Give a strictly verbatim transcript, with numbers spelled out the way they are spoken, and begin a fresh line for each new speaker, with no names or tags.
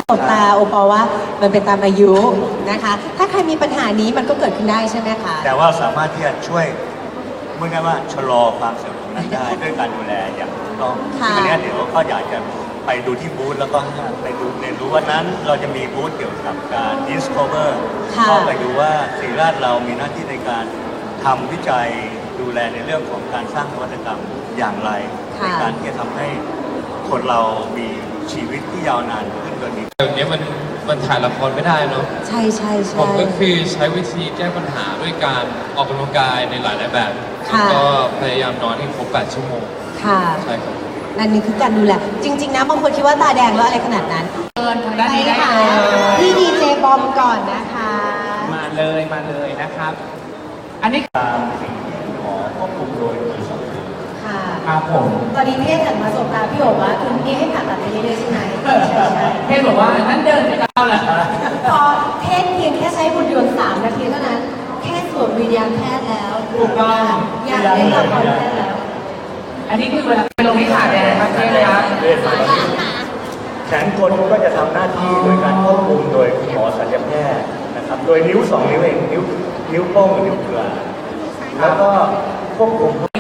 ตบตาโอปอว่ามันเป็นตามอายุนะคะถ้าใครมีปัญหานี้มันก็เกิดขึ้นได้ใช่ไหมคะ
แต่ว่าสามารถที่จะช่วยเมื่อไงว่าชะลอความเสื่อมของนั้นได้ด้วยการดูแลอย่างถูกต้องซึ่งอันนี้เดี๋ยวก็อยากจะไปดูที่บูธแล้วก็ไปดูเรียนรู้วันนั้นเราจะมีบูธเกี่ยวกับการ discover ก็ไปดูว่าศิริราชเรามีหน้าที่ในการทำวิจัยดูแลในเรื่องของการสร้างนวัตกรรมอย่างไรในการที่จะทำให้คนเรามีชีวิตที่ยาวนานขึ้นโดยมี
เดี๋ยวนี้มันมันถ่ายละครไม่ได้เนาะ
ใช่ใช่ใช่
ผมก็คือใช้วิธีแก้ปัญหาด้วยการออกกำลังกายในหลายๆแบบแล้วก็พยายามนอนให้ครบแปดชั่วโมง
ค่ะ
ใช่ครับ
นั่นนี่คือการดูแลจริงๆนะบางคนคิดว่าตาแดงแล้วอะไรขนาดนั้น
เชิญทางด้านนี้ได้
ค่ะ
เลย
พี่ดีเจบอมก่อนนะคะ
มาเลยมาเลยนะครับ อันนี้
ตามสิ่งที่หมอควบคุมโดยมีสองสิ่ง
ค่ะ
ครับผม
ตอนนี้พี่หันมาสบตาพี่โอ๋ว่าคุณพี่ให้ผ่าตัดไปเรื่อยๆใช่ไหมใช่ใช่
เทศบอกว่านั่นเดินไปเข้าแล้ว
พอเทศเพียงแค่ใช้หุ่นยนต์สามนาทีเท่านั้นแค่สวมวิญญาณแพทย์แล้ว
ถูกต้อง
อยากเล่นละครแพทย์แล้ว
อันนี้คือเวลาไปลงที่ขาแดงครับเทศครับ
แขนกลก็จะทำหน้าที่โดยการควบคุมโดยคุณหมอศัลยแพทย์นะครับโดยนิ้วสองนิ้วเองนิ้วนิ้วโป้งกับนิ้วกลางแล้วก็ควบคุม